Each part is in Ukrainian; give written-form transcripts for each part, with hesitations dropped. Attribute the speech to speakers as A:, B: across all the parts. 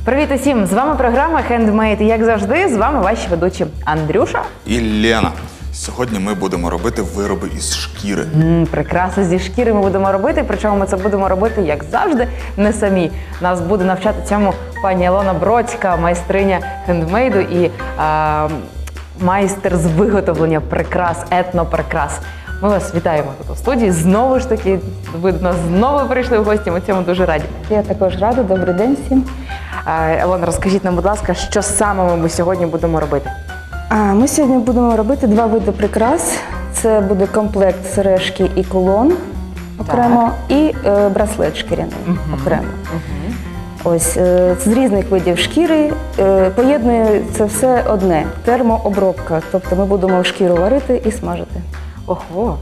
A: Привіт усім! З вами програма Handmade і, як завжди, з вами ваші ведучі Андрюша
B: і Лена. Сьогодні ми будемо робити вироби із шкіри.
A: Прикраси зі шкіри ми будемо робити, причому ми це будемо робити, як завжди, не самі. Нас буде навчати цьому пані Ілона Бродська, майстриня хендмейду і майстер з виготовлення прикрас, етноприкрас. Ми вас вітаємо тут у студії. Знову ж таки, ви до нас знову прийшли в гості, ми цьому дуже раді.
C: Я також рада, добрий день всім.
A: Ілона, розкажіть нам, будь ласка, що саме ми сьогодні будемо робити?
C: Ми сьогодні будемо робити два види прикрас. Це буде комплект сережки і кулон окремо, і браслет шкіряний окремо. Ось, з різних видів шкіри поєднує це все одне – термообробка. Тобто ми будемо шкіру варити і смажити.
A: Ого!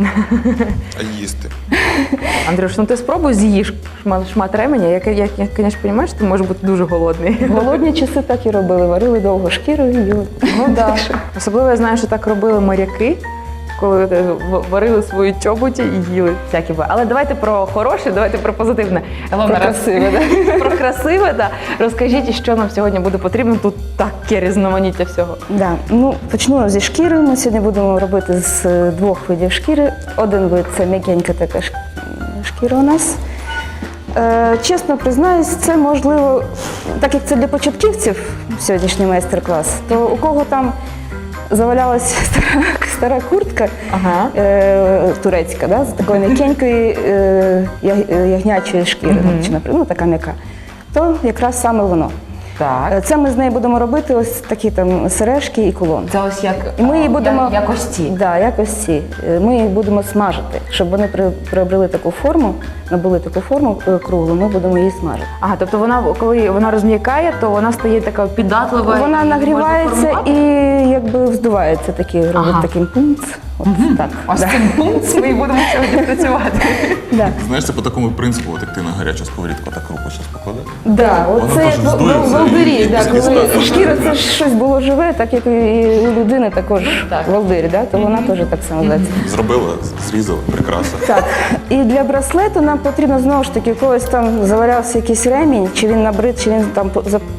B: А їсти?
A: Андрюш, ну ти спробуй з'їж шмат ременя. Я, звісно, розумію, що ти можеш бути дуже голодний.
C: В голодні часи так і робили, варили довго шкіру і їли.
A: Ну так. Особливо я знаю, що так робили моряки, коли варили свої чоботі і їли всякі. Але давайте про хороше, давайте про позитивне.
C: Про красиве, так?
A: Про красиве, так. Розкажіть, що нам сьогодні буде потрібно. Тут таке різноманіття всього.
C: Да. Ну, почну зі шкіри. Ми сьогодні будемо робити з двох видів шкіри. Один вид – це м'якенька така шкіра у нас. Чесно признаюсь, це можливо, так як це для початківців сьогоднішній майстер-клас, то у кого там завалялася стара куртка турецька, да, з такої м'якенької ягнячої шкіри, чи, наприклад, така м'яка, то якраз саме воно.
A: Так.
C: Це ми з нею будемо робити ось такі там сережки і кулон.
A: Це ось як,
C: І ми її будемо,
A: як ось ці.
C: Да, як ось ці. Ми їх будемо смажити, щоб вони приобрели таку форму, набули таку форму круглу, ми будемо її смажити.
A: Ага, тобто вона, коли вона розм'якає, то вона стає така піддатлива.
C: Вона нагрівається і якби вздувається, робить таким пунц. Так.
A: Ось цим пункт ми і будемо сьогодні працювати.
C: Да.
B: Знаєш, це по такому принципу, от як ти на гарячу сковорідку так руку зараз покладеш.
C: Да, оце як в волдирі, коли шкіра це щось було живе, так як і у людини також волдирі, то вона теж так само зветься.
B: Зробила, зрізала, прекрасно.
C: Так, і для браслету нам потрібно знову ж таки, у когось там завалявся якийсь ремінь, чи він набрид, чи він там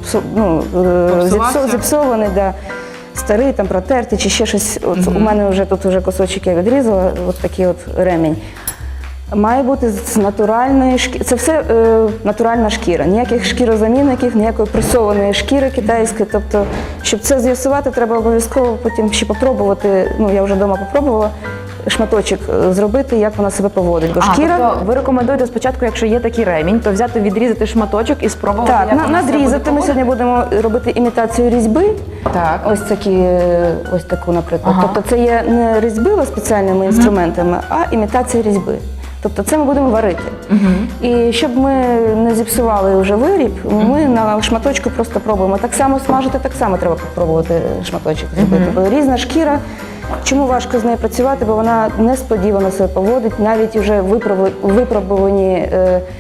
C: зіпсований, старий, там протертий, чи ще щось. От у мене вже тут кусочок я відрізала, от такий от ремінь. Має бути з натуральної шкіри. Це все натуральна шкіра. Ніяких шкірозамінників, ніякої пресованої шкіри китайської. Тобто, щоб це з'ясувати, треба обов'язково потім ще попробувати, я вже вдома попробувала, шматочок зробити, як вона себе поводить. Бо шкіра...
A: Тобто ви рекомендуєте спочатку, якщо є такий ремінь, то взяти, відрізати шматочок і спробувати, як вона себе буде
C: надрізати. Ми сьогодні будемо робити імітацію різьби. Так. Ось таку, наприклад. Тобто це є не різьба спеціальними інструментами, а імітація різьби. Тобто це ми будемо варити. І щоб ми не зіпсували вже виріб, ми на шматочку просто пробуємо. Так само смажити, так само треба спробувати шматочок зробити. Бо різна шкіра. Чому важко з нею працювати? Бо вона несподівано себе поводить, навіть вже випробувані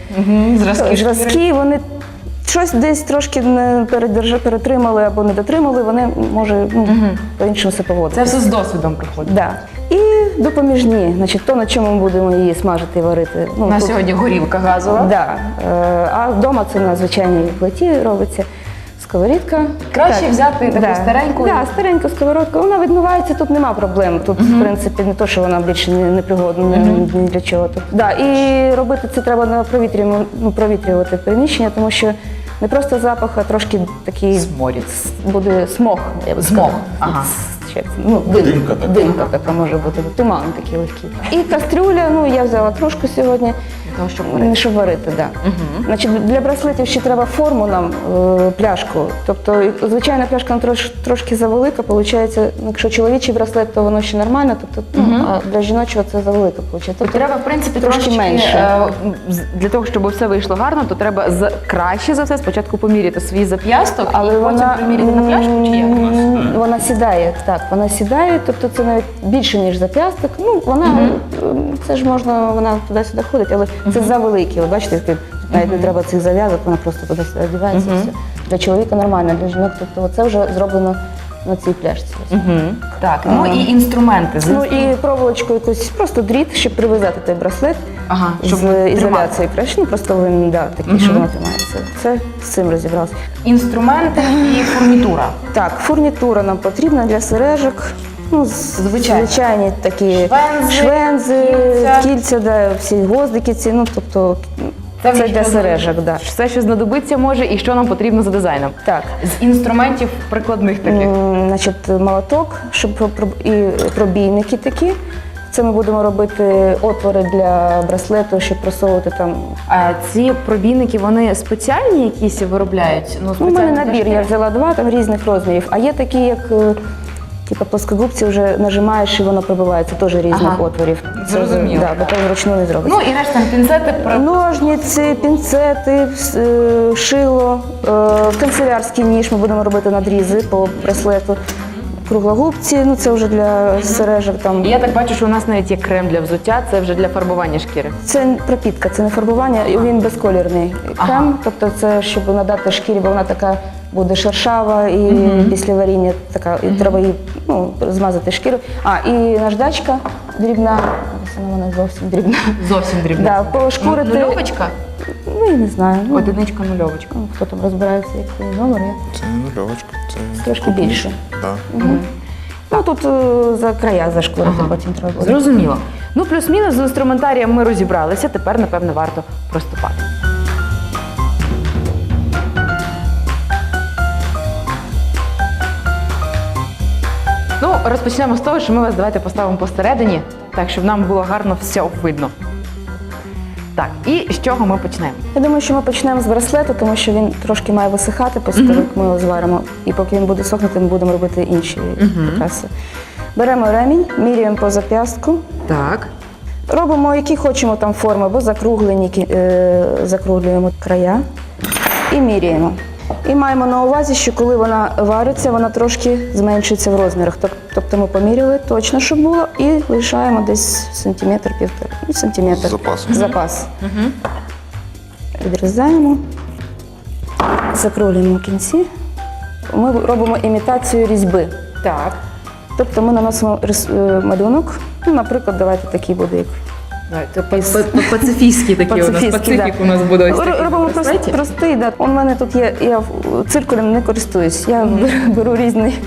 C: зразки, вони щось десь трошки не перетримали або не дотримали, вони, може, по-іншому себе поводити.
A: Це все з досвідом приходить.
C: Так. І допоміжні, значить, то, на чому ми будемо її смажити і варити.
A: У нас сьогодні горілка газова.
C: Так. А вдома це на звичайній плиті робиться. Сковорідка.
A: Краще взяти таку стареньку?
C: Так, стареньку сковородку. Вона відмивається, тут нема проблем. Тут, в принципі, не то, що вона більше не пригодна ні для чого. І робити це треба провітрювати приміщення, тому що не просто запах, а трошки такий буде смог.
A: Смог. Ага.
C: Димка така може бути, туман такий легкий. І кастрюля, я взяла трошки сьогодні, щоб варити. Значить, для браслетів ще треба форму нам, пляшку. Тобто, звичайна пляшка трошки завелика, виходить, якщо чоловічий браслет, то воно ще нормально, а для жіночого це завелика, виходить.
A: Тобто треба, в принципі,
C: трошки менше.
A: Для того, щоб все вийшло гарно, то треба краще за все спочатку поміряти свій зап'ясток,
C: але
A: і потім приміряти на пляшку, чи як?
C: Вона сідає, так, вона сідає, тобто це навіть більше, ніж зап'ясток. Це ж можна, вона туди-сюди ходить, але це завеликі. От бачите, навіть не треба цих зав'язок, вона просто туди-сюди одягається і все. Для чоловіка нормально, для жінок, тобто це вже зроблено на цій пляшці.
A: Так, ну і інструменти.
C: Ну і проволочку якусь, просто дріт, щоб прив'язати той браслет
A: щоб
C: з ізоляцією краще. Ну, просто він, такий, що воно тримається. Це з цим розібрався.
A: Інструменти і фурнітура.
C: Так, фурнітура нам потрібна для сережок. Ну, звичайні такі швензи, кільця, всі гвоздики ці, ну, тобто це для сережок,
A: Все, що знадобиться може і що нам потрібно за дизайном.
C: Так.
A: З інструментів прикладних таких.
C: Значить, молоток, щоб і пробійники такі. Це ми будемо робити отвори для браслету, щоб просовувати там.
A: А ці пробійники, вони спеціальні якісь виробляють?
C: У мене набір, я взяла 2 там різних розмірів, а є такі, як типу плоскогубці, вже нажимаєш і воно пробивається, теж різних отворів.
A: Зрозуміло.
C: Бо то вручну не зробиться.
A: Ну і решта пінцети.
C: Ножниці, пінцети, шило, канцелярський ніж, ми будемо робити надрізи по браслету. Круглогубці, ну це вже для сережок. Там.
A: Я так бачу, що у нас навіть є крем для взуття, це вже для фарбування шкіри.
C: Це пропітка, це не фарбування, він безколірний крем, тобто це щоб надати шкірі, бо вона така буде шершава і після варіння така, і треба її змазати шкіру. І наждачка дрібна, вона зовсім дрібна.
A: Зовсім дрібна.
C: Пошкурити.
A: Нульовочка?
C: Ну, я не знаю.
A: Одиничка, нульовочка.
C: Хто там розбирається, який номер є?
B: Це не нульовочка, це
C: Трошки більше.
B: Так.
C: Ну, тут за края зашкурити потім треба буде.
A: Зрозуміло. Ну, плюс-мінус з інструментарієм ми розібралися, тепер, напевно, варто приступати. Ну, розпочнемо з того, що ми вас давайте поставимо посередині, так, щоб нам було гарно все видно. Так, і з чого ми почнемо?
C: Я думаю, що ми почнемо з браслету, тому що він трошки має висихати, після того, як ми його зваримо. І поки він буде сохнути, ми будемо робити інші прикраси. Беремо ремінь, міряємо по зап'ястку.
A: Так.
C: Робимо, які хочемо там форми, або закруглені, закруглюємо края і міряємо. І маємо на увазі, що коли вона вариться, вона трошки зменшується в розмірах. Тобто ми поміряли точно, щоб було, і лишаємо десь сантиметр-півтора. Сантиметр. Запас. Відрізаємо, закруглюємо в кінці. Ми робимо імітацію різьби.
A: Так.
C: Тобто ми наносимо малюнок, наприклад, давайте такий буде, як
A: Пацифістський такий у нас, пацифік у нас буде ось такий.
C: Робимо простий, у мене тут є, я циркулем не користуюсь, я беру різний.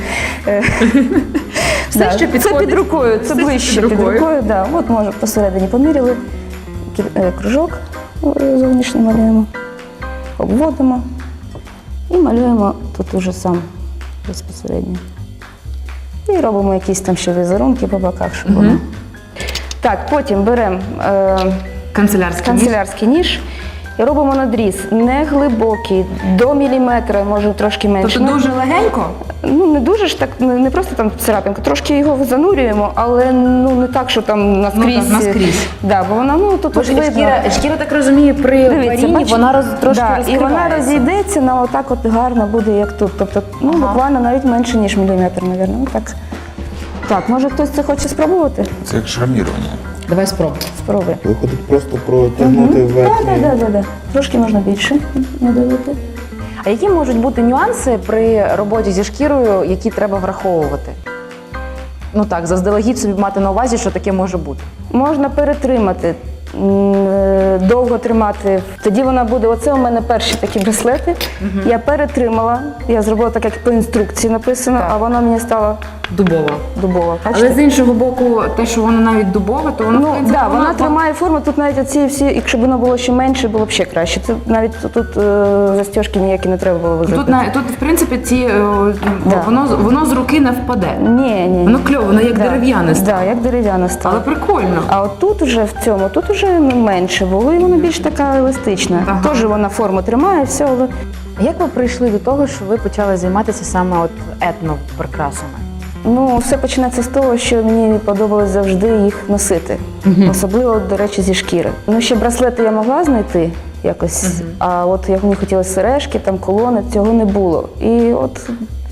A: Все, що підходить.
C: Це під рукою, це ближче під рукою. От може посередині поміряли, кружок зовнішній малюємо, обводимо і малюємо тут уже сам безпосередньо. І робимо якісь там ще візерунки по боках, щоб воно. Так, потім беремо канцелярський ніж і робимо надріз. Не глибокий, до міліметра, може трошки менше.
A: Тобто дуже легенько?
C: Ну, не дуже ж так, не просто там царапинка, трошки його занурюємо, але не так, що там наскрізь.
A: Наскрізь.
C: Бо вона, тут видно.
A: Шкіра, так розумію, при варінні вона трошки розкривається.
C: І вона розійдеться, отак от гарно буде, як тут. Тобто, буквально навіть менше, ніж міліметр, мабуть. Так, може хтось це хоче спробувати?
B: Це як шармірування.
A: Давай спробуй.
C: Спробуй.
B: Виходить просто протягнути верхній.
C: Так. Трошки можна більше надавити.
A: А які можуть бути нюанси при роботі зі шкірою, які треба враховувати? Ну так, заздалегідь собі мати на увазі, що таке може бути.
C: Можна перетримати, довго тримати. Тоді вона буде, оце у мене перші такі браслети. Я перетримала, я зробила так, як по інструкції написано, а вона мені стала дубова.
A: Але з іншого боку, те, що воно навіть дубове, то воно,
C: вона тримає форму, тут навіть оці всі, якщо б воно було ще менше, було б ще краще. Це навіть тут застіжки ніякі не треба було визити.
A: Тут в принципі, воно з руки не впаде.
C: Ні.
A: Воно кльово, воно як дерев'яне стало.
C: Так, як дерев'яне стало.
A: Але прикольно.
C: А от тут вже в цьому, тут вже менше було, і воно більш така еластична. Теж вона форму тримає, все, але...
A: Як ви прийшли до того, що ви почали займатися саме етноприкрасами?
C: Все починається з того, що мені подобалось завжди їх носити. Особливо, до речі, зі шкіри. Ще браслети я могла знайти якось, а от як мені хотілося сережки, там колони, цього не було. І от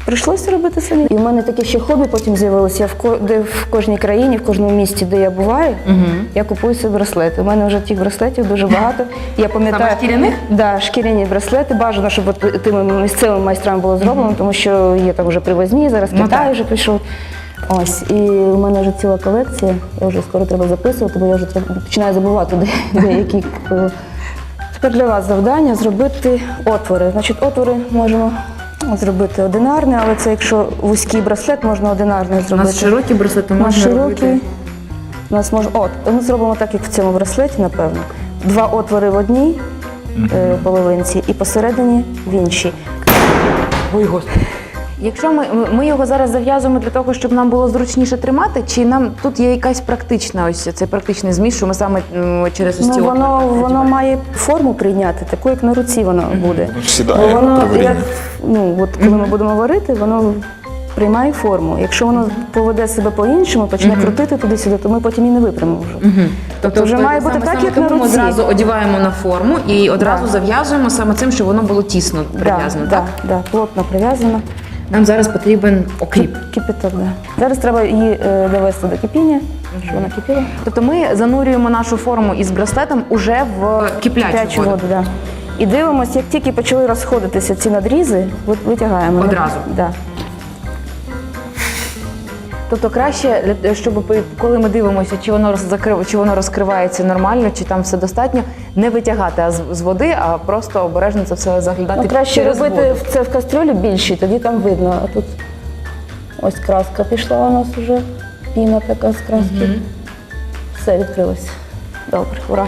C: прийшлося робити самі. І в мене таке ще хобі потім з'явилося. Де в кожній країні, в кожному місті, де я буваю, я купую собі браслети. У мене вже тих браслетів дуже багато. Я пам'ятаю,
A: Саме шкіряних?
C: Да, шкіряні браслети. Бажано, щоб от тими місцевими майстрами було зроблено, тому що є там вже привозні, зараз Китай вже пішов. Ось, і у мене вже ціла колекція, я вже скоро треба записувати, бо я вже починаю забувати деякі. Тепер для вас завдання зробити отвори. Значить, отвори можемо зробити одинарний, але це якщо вузький браслет, можна одинарний
A: У
C: зробити.
A: нас широкі браслети
C: У нас
A: можна робити.
C: широкий. У нас можна. Ми зробимо так, як в цьому браслеті, напевно. 2 отвори в одній половинці і посередині в іншій.
A: Ой, Господи. Якщо ми його зараз зав'язуємо для того, щоб нам було зручніше тримати, чи нам тут є якась практична, ось цей практичний зміст, що ми саме через ось ці
C: Ну,
A: отвори
C: воно має форму прийняти, таку, як на руці воно буде.
B: Воно ж сідає
C: Бо воно,
B: при варінні.
C: коли ми будемо варити, воно приймає форму. Якщо воно поведе себе по-іншому, почне крутити туди-сюди, то ми потім і не випрямимо вже. Тобто вже має бути так, як на руці.
A: Ми одразу одягаємо на форму і одразу зав'язуємо саме цим, щоб воно було тісно прив'язано, так?
C: Так, плотно прив'язано.
A: Нам зараз потрібен окріп.
C: Кипяток, да. Зараз треба її довести до кипіння, щоб вона кипіла.
A: Тобто ми занурюємо нашу форму із браслетом уже в киплячу воду.
C: Да. І дивимося, як тільки почали розходитися ці надрізи, витягаємо.
A: Одразу?
C: Да.
A: Тобто краще, щоб коли ми дивимося, чи воно розкривається нормально, чи там все достатньо, не витягати з води, а просто обережно це все заглядати
C: Краще
A: через
C: робити
A: воду.
C: це в кастрюлі більшій, тоді там видно. А тут ось краска пішла у нас вже, піна така з краски. Все, відкрилось. Добре, ура.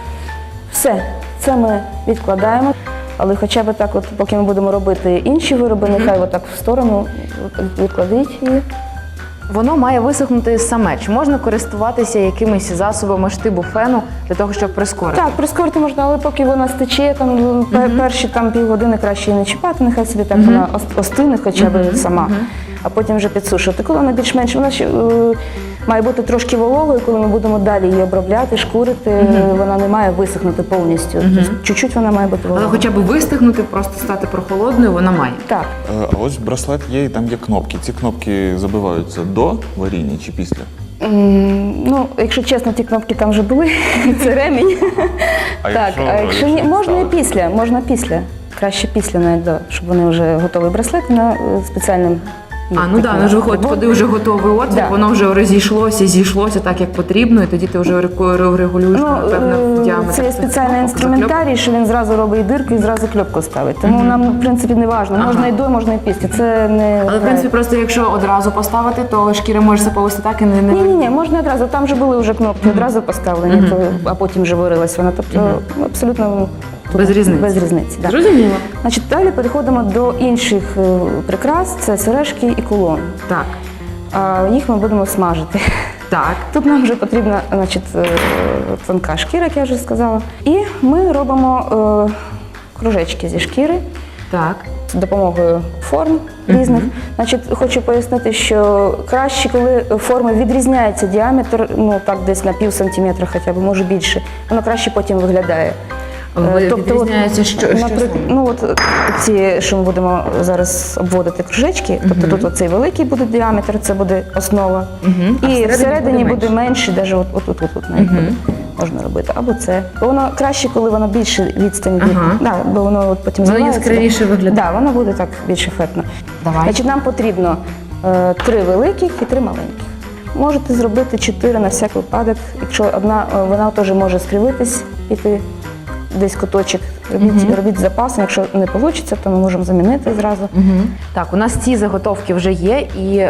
C: Все, це ми відкладаємо. Але хоча б так, от, поки ми будемо робити інші вироби, нехай отак в сторону відкладіть її.
A: Воно має висохнути саме. Чи можна користуватися якимись засобами штибу фену для того, щоб прискорити?
C: Так, прискорити можна, але поки вона стече, там, перші там, півгодини краще її не чіпати, нехай собі так вона остине хоча б сама, а потім вже підсушувати. Коли вона більш-менш, вона ще, має бути трошки вологою, коли ми будемо далі її обробляти, шкурити, вона не має висохнути повністю. Тобто, чуть-чуть вона має бути
A: Але
C: вологою.
A: хоча б вистигнути, просто стати прохолодною, вона має.
C: Так.
B: А ось браслет є і там є кнопки. Ці кнопки забиваються до варіння чи після?
C: Ну, якщо чесно, ті кнопки там вже були, це ремінь. Так, а якщо ні, можна і після, можна після. Краще після, навіть, щоб вони вже готові браслети на спеціальним.
A: Ну так, ну ж виходить, коли вже готовий отвір,
C: Да.
A: воно вже розійшлося, зійшлося так, як потрібно, і тоді ти вже регулюєш, напевно, в діаметр.
C: Це є спеціальний інструментарій, що він зразу робить дирку і зразу кльопку ставить. Тому нам, в принципі, не важливо. Можна і до, можна і після. Це не...
A: Але, в принципі, просто якщо одразу поставити, то шкіра може себе повести так і не...
C: Ні, можна одразу. Там вже були вже кнопки, одразу поставлені, а потім вже варилась вона. Тобто, абсолютно...
A: Без різниці.
C: Без різниці, так.
A: Зрозуміло.
C: Значить, далі переходимо до інших прикрас. Це сережки і кулон.
A: Так,
C: Їх ми будемо смажити.
A: так.
C: Тут нам вже потрібна, значить, тонка шкіра, як я вже сказала. І ми робимо кружечки зі шкіри.
A: Так.
C: З допомогою форм різних. Значить, хочу пояснити, що краще, коли форми відрізняється діаметр, ну так десь на пів сантиметра хоча б, може більше, воно краще потім виглядає.
A: Відрізняється що
C: наприклад, ну от ці, що ми будемо зараз обводити кружечки, тобто тут оцей великий буде діаметр, це буде основа, і всередині буде менше, навіть отут навіть буде можна робити, або це. Бо воно краще, коли воно більше відстані, бо воно от потім
A: воно
C: зливається.
A: яскравіше виглядає.
C: Так, воно буде так більш ефектно.
A: Давай.
C: Значить, нам потрібно 3 великих і 3 маленьких. Можете зробити 4 на всяк випадок, якщо одна, вона теж може скривитись, піти десь куточок, робіть з запасом, якщо не вийде, то ми можемо замінити зразу.
A: Так, у нас ці заготовки вже є, і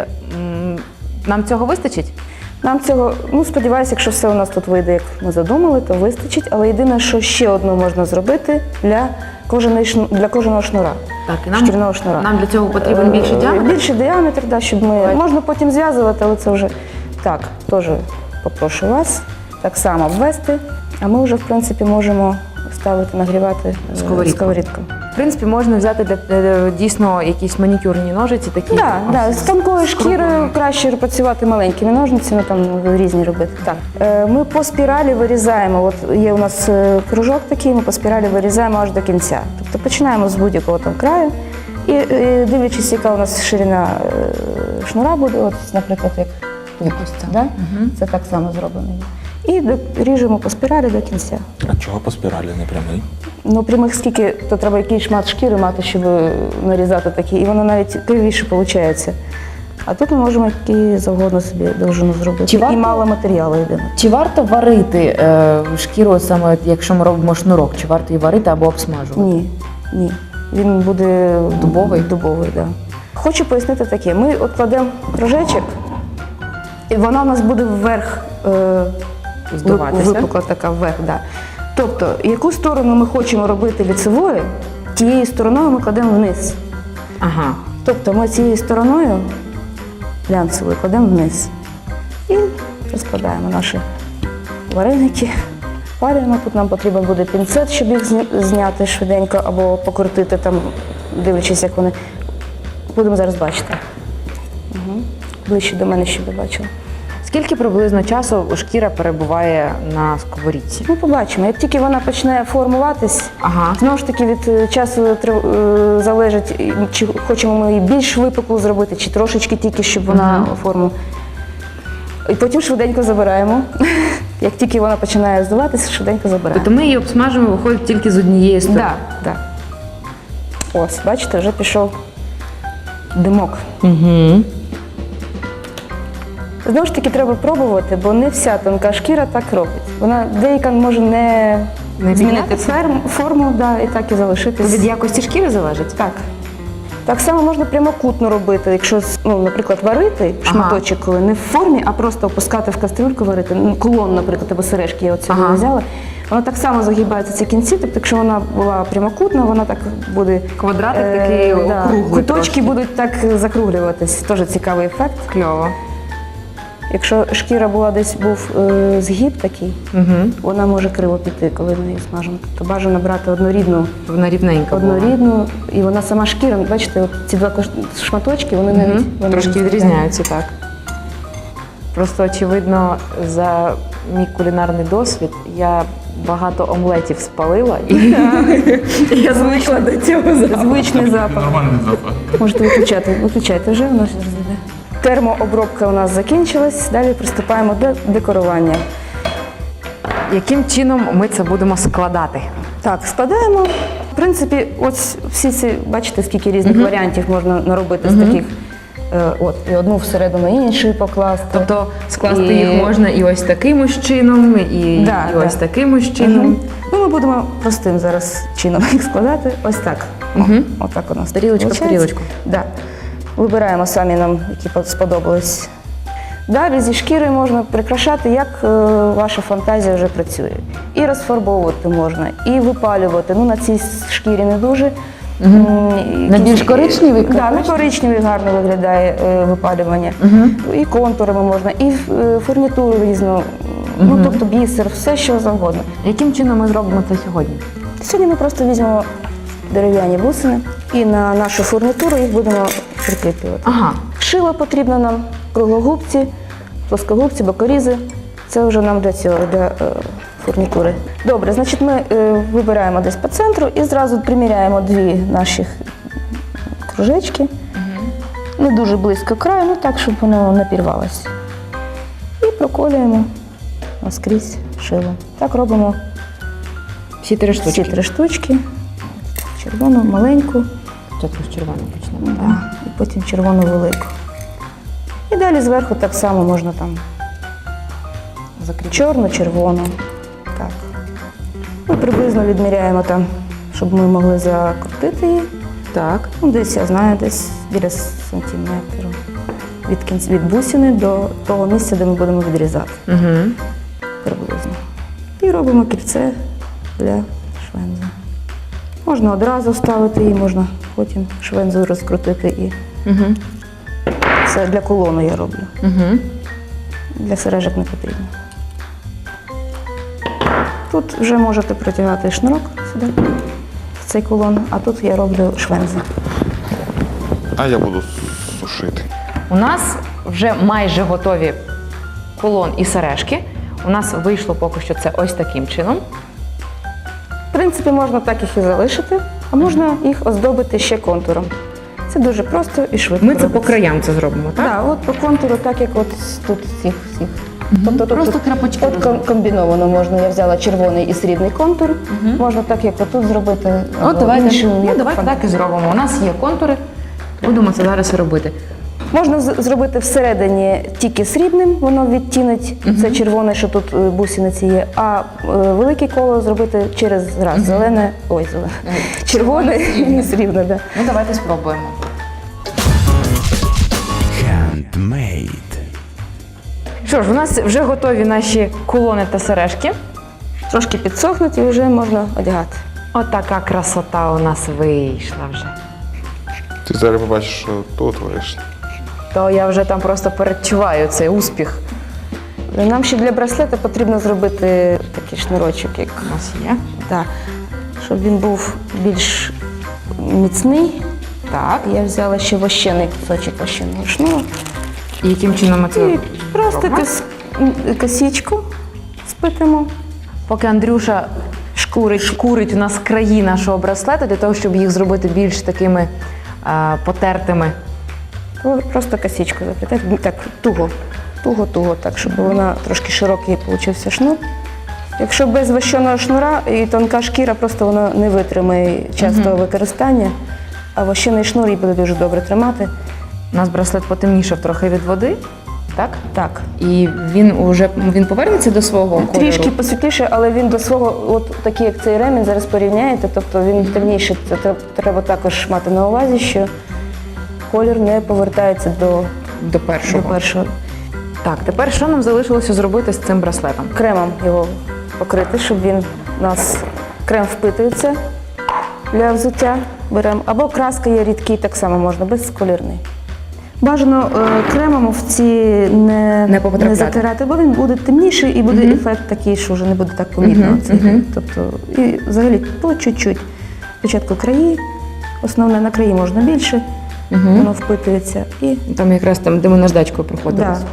A: нам цього вистачить?
C: Нам цього, ну сподіваюся, якщо все у нас тут вийде, як ми задумали, то вистачить. Але єдине, що ще одну можна зробити для кожаного шнура.
A: Так, і
C: шкіряного шнура.
A: Нам для цього потрібен більший діаметр?
C: Більший діаметр, да, щоб ми... Можна потім зв'язувати, але це вже так, теж попрошу вас так само обвести, а ми вже, в принципі, можемо ставити, нагрівати сковорідку.
A: В принципі, можна взяти для дійсно якісь манікюрні ножиці, такі.
C: Так, з тонкою шкірою краще працювати маленькими ножницями, там різні робити. Так. Ми по спіралі вирізаємо, от є у нас кружок такий, ми по спіралі вирізаємо аж до кінця. Тобто починаємо з будь-якого там краю І дивлячись, яка у нас ширина шнура буде, от, наприклад, як тут, да? Це так само зроблено. І ріжемо по спіралі до кінця.
B: А чого по спіралі не прямий?
C: Ну, прямих скільки, то треба якийсь шмат шкіри мати, щоб нарізати такі, і воно навіть кривіше виходить. А тут ми можемо які завгодно собі довжину зробити.
A: Чи варто-
C: І мало матеріалу єдине.
A: Чи варто варити шкіру, саме якщо ми робимо шнурок, чи варто її варити або обсмажувати?
C: Ні. Він буде
A: Дубовий?
C: Дубовий, так. Да. Хочу пояснити таке. Ми от кладемо кружечок, і вона у нас буде вверх
A: Здуватися?
C: випукла така вверх, да. Тобто, яку сторону ми хочемо робити лицевою, тією стороною ми кладемо вниз.
A: Ага.
C: Тобто ми цією стороною глянцевою кладемо вниз. І розкладаємо наші вареники. Паримо. Тут нам потрібен буде пінцет, щоб їх зняти швиденько або покрутити, там, дивлячись, як вони. Будемо зараз бачити. Ближче до мене, щоб ви бачили.
A: Скільки приблизно часу шкіра перебуває на сковорідці?
C: Ну, побачимо. Як тільки вона почне формуватись,
A: Ага.
C: знову ж таки від часу залежить, чи хочемо ми її більш випуклу зробити, чи трошечки тільки, щоб вона форму. І потім швиденько забираємо. Як тільки вона починає здуватися, швиденько забираємо.
A: Тобто ми її обсмажуємо, виходить тільки з однієї сторони?
C: Так. Ось, бачите, вже пішов димок.
A: Угу.
C: Знову ж таки, треба пробувати, бо не вся тонка шкіра так робить. Вона деяка може не змінити
A: піднятися?
C: форму, да, і так і залишитись.
A: Від якості шкіри залежить?
C: Так. Так само можна прямокутно робити, якщо, ну, наприклад, варити шматочок, коли не в формі, а просто опускати в кастрюльку варити. Ну, кулон, наприклад, або сережки, я от сьогодні взяла. Вона так само загибається ці кінці, тобто якщо вона була прямокутна, вона так буде…
A: Квадратик такий округлий
C: куточки
A: трошки.
C: будуть так закруглюватись. Теж цікавий ефект.
A: Кльово.
C: Якщо шкіра була десь був згиб такий, вона може криво піти, коли ми її смажимо. Тобто бажано брати однорідну,
A: Вона рівненька була.
C: і вона сама шкіра, бачите, от ці два шматочки, вони навіть вони
A: Трошки
C: відрізняються.
A: відрізняються, так. Просто, очевидно, за мій кулінарний досвід я багато омлетів спалила, і я звикла до цього запаху.
C: Звичний запах.
B: Нормальний запах.
C: Можете виключайте вже, воно зараз йде. Термообробка у нас закінчилась, далі приступаємо до декорування.
A: Яким чином ми це будемо складати?
C: Так, складаємо. В принципі, ось всі ці, бачите, скільки різних варіантів можна наробити з таких. От, і одну всередину іншу покласти.
A: Тобто скласти їх можна і ось таким ось чином, і ось таким ось чином.
C: Ну, ми будемо простим зараз чином їх складати. Ось так. Отак у нас
A: Тарілочка в
C: виходить.
A: тарілочку.
C: Да. Вибираємо самі нам, які сподобались. Далі зі шкірою можна прикрашати, як ваша фантазія вже працює. І розфарбовувати можна, і випалювати. Ну, на цій шкірі не дуже.
A: На більш коричневий?
C: Так, на коричневий гарно виглядає випалювання. І контурами можна, і фурнітуру різну, ну, тобто бісер, все що завгодно.
A: Яким чином ми зробимо це сьогодні?
C: Сьогодні ми просто візьмемо дерев'яні бусини і на нашу фурнітуру їх будемо прикріплювати.
A: Ага.
C: Шило потрібно нам, круглогубці, плоскогубці, бокорізи. Це вже нам для цього, для фурнітури. Добре, значить ми вибираємо десь по центру і зразу приміряємо дві наші кружечки. Не дуже близько краю, ну так, щоб воно не пірвалося. І проколюємо наскрізь шило. Так робимо
A: Всі три штучки.
C: всі три штучки. Червону маленьку,
A: Спочатку з червоного почнемо.
C: і потім червону велику. І далі зверху так само можна там чорну, червону. Так. Ми приблизно відміряємо там, щоб ми могли закрутити її.
A: Так.
C: Ну, десь, я знаю, десь біля сантиметру. Від бусини до того місця, де ми будемо відрізати. Приблизно. І робимо кільце для швензи. Можна одразу вставити її, можна потім швензу розкрутити і це для кулону я роблю. Для сережок не потрібно. Тут вже можете протягати шнурок сюди, в цей кулон, а тут я роблю швензи.
B: А я буду сушити.
A: У нас вже майже готові кулон і сережки. У нас вийшло поки що це ось таким чином.
C: В принципі, можна так їх і залишити, а можна їх оздобити ще контуром. Це дуже просто і швидко.
A: Ми це по
C: робиться.
A: краям це зробимо, так?
C: Так, от по контуру, так як от тут всіх. Тобто тут
A: Просто крапочки
C: от комбіновано можна. Я взяла червоний і срібний контур. Можна так, як отут зробити.
A: От давайте,
C: іншим, як
A: давайте так і зробимо. У нас є контури, будемо це зараз і робити.
C: Можна зробити всередині тільки срібним, воно відтінить це червоне, що тут бусиниці є, а велике коло зробити через раз. Зелене, червоне і срібне. Да.
A: Ну давайте спробуємо.
D: Handmade.
A: Що ж, у нас вже готові наші кулони та сережки.
C: Трошки підсохнуть і вже можна одягати.
A: Отака красота у нас вийшла вже.
B: Ти зараз побачиш, що тут вийшло.
A: То я вже там просто передчуваю цей успіх.
C: Нам ще для браслета потрібно зробити такий шнурочок, як
A: У нас є.
C: да, щоб він був більш міцний.
A: Так.
C: Я взяла ще вощений кусочок вощеного шнуру.
A: І яким чином ми це
C: І просто
A: робимо?
C: косичку сплетемо.
A: Поки Андрюша шкурить у нас краї нашого браслета, для того, щоб їх зробити більш такими потертими.
C: То просто косичку заплітати. Так, туго, так, щоб вона трошки широкий получився шнур. Якщо без вощеного шнура і тонка шкіра, просто вона не витримає частого використання, а вощений шнур її буде дуже добре тримати.
A: У нас браслет потемнішав трохи від води, так?
C: Так.
A: І він повернеться до свого кольору?
C: Трішки посвітліше, але він до свого, от такий як цей ремінь, зараз порівняєте, тобто він темніший. Це треба також мати на увазі, що колір не повертається
A: До першого.
C: до першого.
A: Так, тепер що нам залишилося зробити з цим браслетом?
C: Кремом його покрити, щоб він у нас крем впитується для взуття. Беремо. Або краска є рідкий, так само можна, безколірний. Бажано кремом в ці не
A: потрапляти.
C: затирати, бо він буде темніший і буде ефект такий, що вже не буде так помітно. Тобто, і взагалі по чуть-чуть. Спочатку краї, основне на краї можна більше, воно впитується. І
A: Там якраз там, де ми наждачкою проходили.
C: да.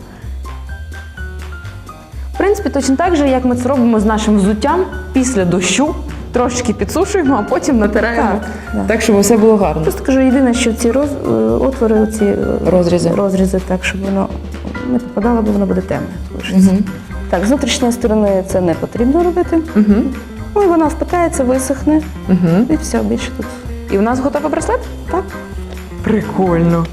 A: В принципі, точно так же, як ми це робимо з нашим взуттям після дощу, трошечки підсушуємо, а потім натираємо.
C: Так,
A: Так, щоб все було гарно.
C: Просто кажу, єдине, що ці отвори, ці розрізи, так, щоб воно не попадало, бо воно буде темне. Так, з внутрішньої сторони це не потрібно робити. Ну, і вона впитається, висохне, і все, більше тут.
A: І в нас готовий браслет?
C: Так.
A: Прикольно.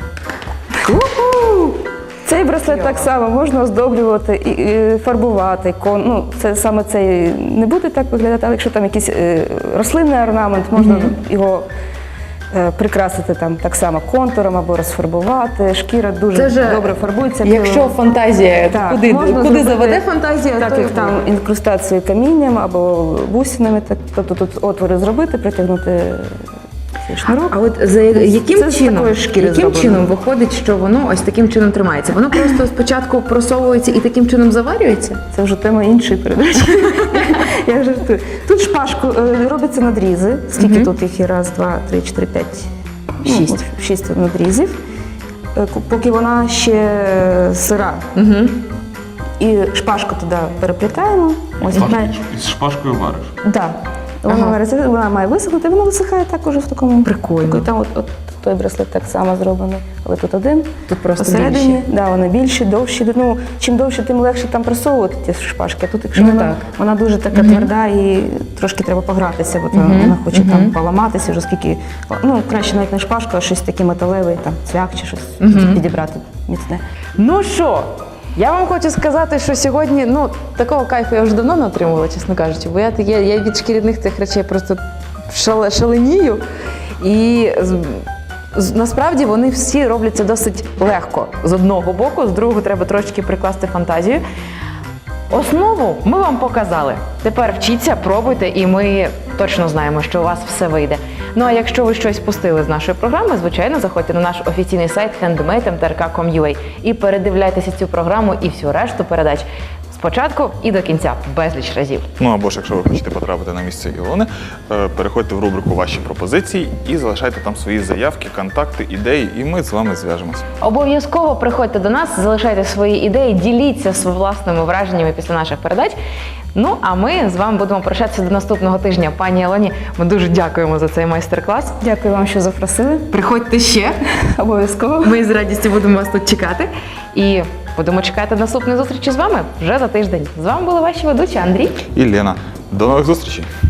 C: Цей браслет так само можна оздоблювати і фарбувати. Це саме цей не буде так виглядати, але якщо там якийсь рослинний орнамент, можна його прикрасити там так само контуром або розфарбувати. Шкіра дуже добре фарбується.
A: Якщо фантазія,
C: Так,
A: куди
C: можна
A: заведе фантазія,
C: так
A: то
C: як там інкрустацію камінням або бусинами, тобто тут отвори зробити, притягнути цей шнурок.
A: А от яким
C: Це з такої шкіри зроблено.
A: чином виходить, що воно ось таким чином тримається? Воно просто спочатку просовується і таким чином заварюється?
C: Це вже тема іншої передачі. Я жартую. Тут шпажку робляться надрізи. Скільки тут їх є? Раз, два, три, чотири, п'ять. Шість надрізів. Поки вона ще сира. І шпажку туди переплітаємо.
B: Із шпажкою вариш.
C: Так. Вона має висохнути, воно висихає так уже в такому.
A: Прикольно.
C: Там от той браслет так само зроблений, але тут один.
A: Тут просто
C: посередині,
A: більші.
C: да, вони більші, довші. Ну, чим довше, тим легше там просовувати ті шпажки. А тут, якщо вона дуже така тверда і трошки треба погратися, бо вона хоче там поламатися, вже скільки. Ну, краще навіть не шпажка, а щось таке металеве, там цвях чи щось підібрати міцне.
A: Ну що, я вам хочу сказати, що сьогодні, такого кайфу я вже давно не отримувала, чесно кажучи, бо я від шкіряних цих речей просто шаленію. І насправді вони всі робляться досить легко з одного боку, з другого треба трошки прикласти фантазію. Основу ми вам показали. Тепер вчіться, пробуйте, і ми точно знаємо, що у вас все вийде. Ну а якщо ви щось пустили з нашої програми, звичайно, заходьте на наш офіційний сайт handmade.mtrk.com.ua і передивляйтеся цю програму і всю решту передач спочатку і до кінця, безліч разів.
B: Ну або ж, якщо ви хочете потрапити на місце Ілони, переходьте в рубрику «Ваші пропозиції» і залишайте там свої заявки, контакти, ідеї, і ми з вами зв'яжемося.
A: Обов'язково приходьте до нас, залишайте свої ідеї, діліться власними враженнями після наших передач. Ну, а ми з вами будемо прощатися до наступного тижня. Пані Альоні, ми дуже дякуємо за цей майстер-клас.
C: Дякую вам, що запросили.
A: Приходьте ще.
C: Обов'язково.
A: Ми з радістю будемо вас тут чекати. І будемо чекати наступної зустрічі з вами вже за тиждень. З вами були ваші ведучі Андрій.
B: І Лена. До нових зустрічей!